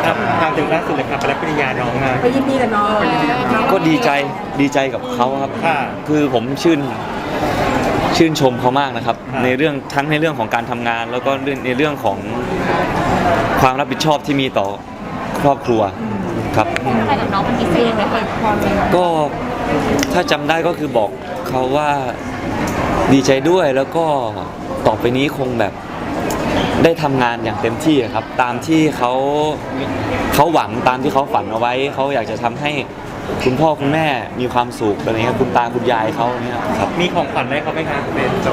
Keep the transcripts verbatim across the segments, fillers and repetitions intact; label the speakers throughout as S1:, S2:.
S1: ครับตามถึงล่าสุดเลยครับไปรับปริญญาน้องมา
S2: ไปยินดีกับน้อง
S3: ก็ดีใจดีใจกับเขาครับคือผมชื่นชื่นชมเขามากนะครับในเรื่องทั้งในเรื่องของการทำงาน แล้วก็ในเรื่องของความรับผิดชอบที่มีต่อครอบครัวครับ
S4: อะไรกับน้องเป็นพิเศษไหมคะ
S3: ก็ถ้าจำได้ก็คือบอกเขาว่าดีใจด้วยแล้วก็ต่อไปนี้คงแบบได้ทำงานอย่างเต็มที่ครับตามที่เขาเขาหวังตามที่เขาฝันเอาไว้เขาอยากจะทำให้คุณพ่อคุณแม่มีความสุขอะไรเงี้ยคุณตาคุณยายเขาเนี่ยครับ
S1: มีของขวัญให้เขาไหมครับเป็นโจ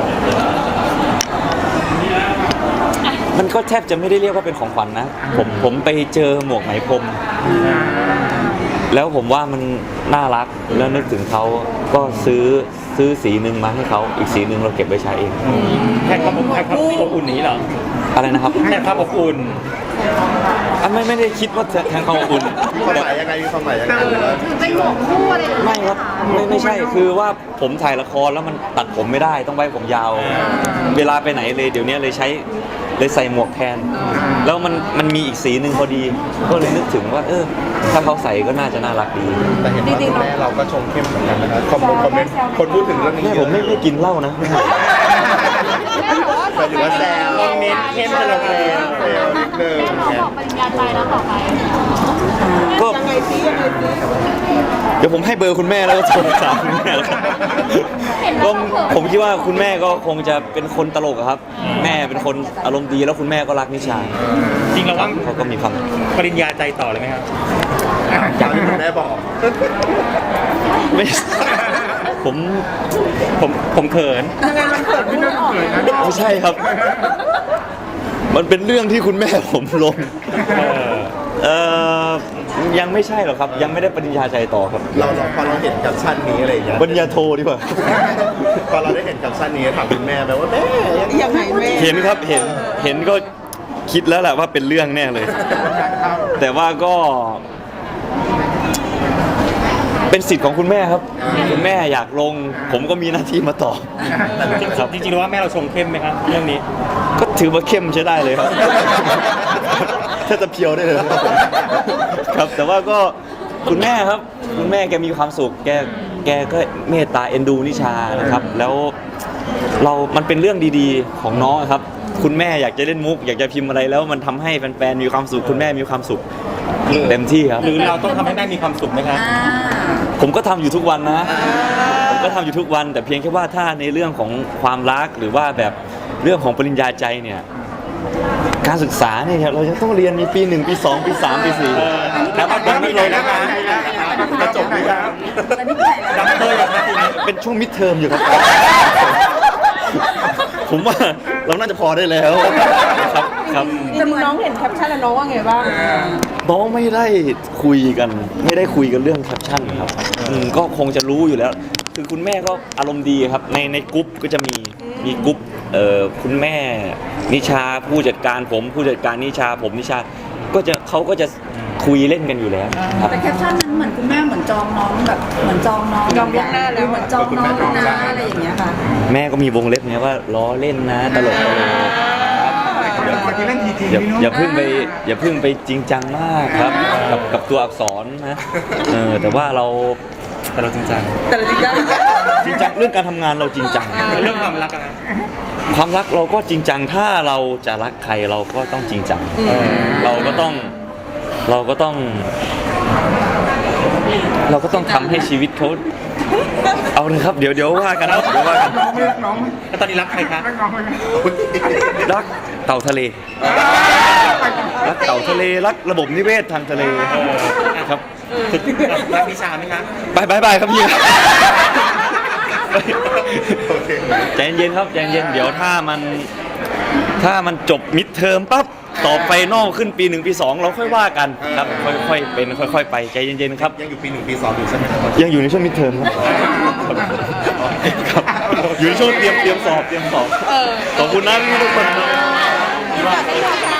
S3: มันก็แทบจะไม่ได้เรียกว่าเป็นของขวัญนะผมผมไปเจอหมวกไหมพรมแล้วผมว่ามันน่ารักแล้วนึกถึงเขาก็ซื้อซื้อสีหนึ่งมาให้เขาอีกสีหนึ่งเราเก็บไว้ใช้เอง
S1: แค่ความแค่ความอบอุ่นนี้เหรอ
S3: อะไรนะครับ
S1: แค่ความอบอุ่น
S3: อันไม่ไม่ได้คิดว่าแทนความอบอุ่น
S5: ความหมายยังไงความหมายยังไง
S4: คือเป็นหมวกคู่อะไร
S3: ไม่ครับไม่ไม่ใช่คือว่าผมถ่ายละครแล้วมันตัดผมไม่ได้ต้องไว้ผมยาวเวลาไปไหนเลยเดี๋ยวนี้เลยใช้เลยใส่หมวกแทนแล้วมันมันมีอีกสีหนึ่งพอดีก็เลยนึกถึงว่าเออถ้าเขาใส่ก็น่าจะน่ารักดี
S5: แต่เห็นว่าคุณแม่เราก็ชมเข้มเหมือนกันนะครับคอมเมนต์คนพูดถึงเรื่องนี้
S3: แม่ผมไม่ไม่กินเหล้านะ
S5: แต่ถือว่าแซว
S1: คอมเมนต์เข้มจะลงเลย
S5: เซลนิดนึง
S4: แม่บอกปริญญาใจแล้วต่อไป
S3: ก็ยังไงซิยังไงซิเดี๋ยวผมให้เบอร์คุณแม่แล้วก็โทรถามคุณแม่แล้วก็ผมคิดว่าคุณแม่ก็คงจะเป็นคนตลกครับแม่เป็นคนอารมณ์ดีแล้วคุณแม่ก็รักนิชา
S1: จริงแล้วว่า
S3: เขาก็มีความ
S1: ปริญญาใจต่อเลยไหมครับ
S5: อย่างที่คุณแม่บอก
S3: ไม่ผม
S1: ผมผมเขิน
S2: ยังไงมันเขินไม่ได้เขินนะ
S3: ไม่ใช่ครับมันเป็นเรื่องที่คุณแม่ผมลงเออยังไม่ใช่หรอกครับยังไม่ได้ปริญญาใจต่อครับ
S5: เราพอเราเห็นแคปชั่นนี้อะไรอย่างเงี้ย
S3: ปริญญาโทดีกว่า
S5: พอเราได้เห็นแคปชั่นนี้ถามคุณแม่ไปว่าแม่
S2: ยังไงแม่
S3: เห็นครับเห็นเห็นก็คิดแล้วแหละว่าเป็นเรื่องแน่เลยแต่ว่าก็เป็นสิทธิ์ของคุณแม่ครับคุณแม่อยากลงผมก็มีหน้าที่มาตอบ
S1: ครับจริงๆแล้วว่าแม่เราชงเข้มไหมครับเรื่องนี้
S3: ก็ถือว่าเข้มใช้ได้เลยครับถ้าจะเพียวได้เลยครับแต่ว่าก็คุณแม่ครับคุณแม่แกมีความสุขแกแกก็เมตตาเอ็นดูนิชานะครับแล้วเรามันเป็นเรื่องดีๆของน้องครับคุณแม่อยากจะเล่นมุกอยากจะพิมพ์อะไรแล้วมันทำให้แฟนๆมีความสุขคุณแม่มีความสุขเต็มที่ครับ
S1: หรือเราต้องทำให้แม่มีความสุขไหมครับ
S3: ผมก็ทำอยู่ทุกวันนะผมก็ทำอยู่ทุกวันแต่เพียงแค่ว่าถ้าในเรื่องของความรักหรือว่าแบบเรื่องของปริญญาใจเนี่ยการศึกษาเนี่ยเราจะต้องเรียนมีปีหนึ่งปีสองปีสามปีสี่
S1: แล้วมันไม่เลยนะคะจะจบไหมครับดับเบิลอย่างนี้
S3: เป็นช่วงมิดเทอมอยู่ครับผมว่าเราน่าจะพอได้แล้วครับครับ
S2: แต่น้องเห็นแคปชั่นแล้วน้องว่าไงบ้าง
S3: น้องไม่ได้คุยกันไม่ได้คุยกันเรื่องแคปชั่นครับก็คงจะรู้อยู่แล้วคือคุณแม่ก็อารมณ์ดีครับในในกรุ๊ปก็จะมีมีกรุ๊ปเอ่อคุณแม่นิชาผู้จัดการผมผู้จัดการนิชาผมนิชาก็จะเขาก็จะคุยเล่นกันอยู่แล้วครับ
S2: แต่แคปชั่นนั้นเหมือนคุณแม่เหมือนจองน้องแบบเหมือนจองน้องจองล่วงหน้าแล้วเหมือนจองน้องนะอะไรอย่างเงี้ยค่ะแ
S3: ม่ก็มีวงเล็บเนี้ยว่าล้อเล่นนะตลกตลกอย่าอย่าเพิ่งไปอย่าเพิ่งไปจริงจังมากครับกับกับตัวอักษรนะเออแต่ว่าเราแต่เราจริงจัง
S2: แต่เราจริงจัง
S3: จริงจังเรื่องการทำงานเราจริงจัง
S1: เรื่องความรักอะ
S3: ความรักเราก็จริงจังถ้าเราจะรักใครเราก็ต้องจริงจังเราก็ต้องเราก็ต้องเราก็ต้องทำให้ชีวิตเขาเอาเลยครับเดี๋ยวเดี๋ยวว่ากันเดี๋ยวว่ากัน
S1: แล้วตอนนี้รักใครครับ
S3: รักเต่าทะเลรักเต่าทะเลรักระบบนิเวศทางทะเลครับ
S1: รักนิชาไหมครับ
S3: บายบายบายครับพี่ใจเย็นครับใจเย็นเดี๋ยวถ้ามันถ้ามันจบมิดเทอมปั๊บต่อไปนอกขึ้นปีหนึ่งปีสองเราค่อยว่ากันครับค่อยๆเป็นค่อยๆไปใจเย็นๆครับ
S5: ยังอยู่ปีหนึ่งปีสองอยู่ใช่ไหม
S3: ยังอยู่ในช่วงมิดเทอมครับอยู่ในช่วงเตรียมเตรียมสอบเตรียมสอบขอบคุณนะพี่ทุกคน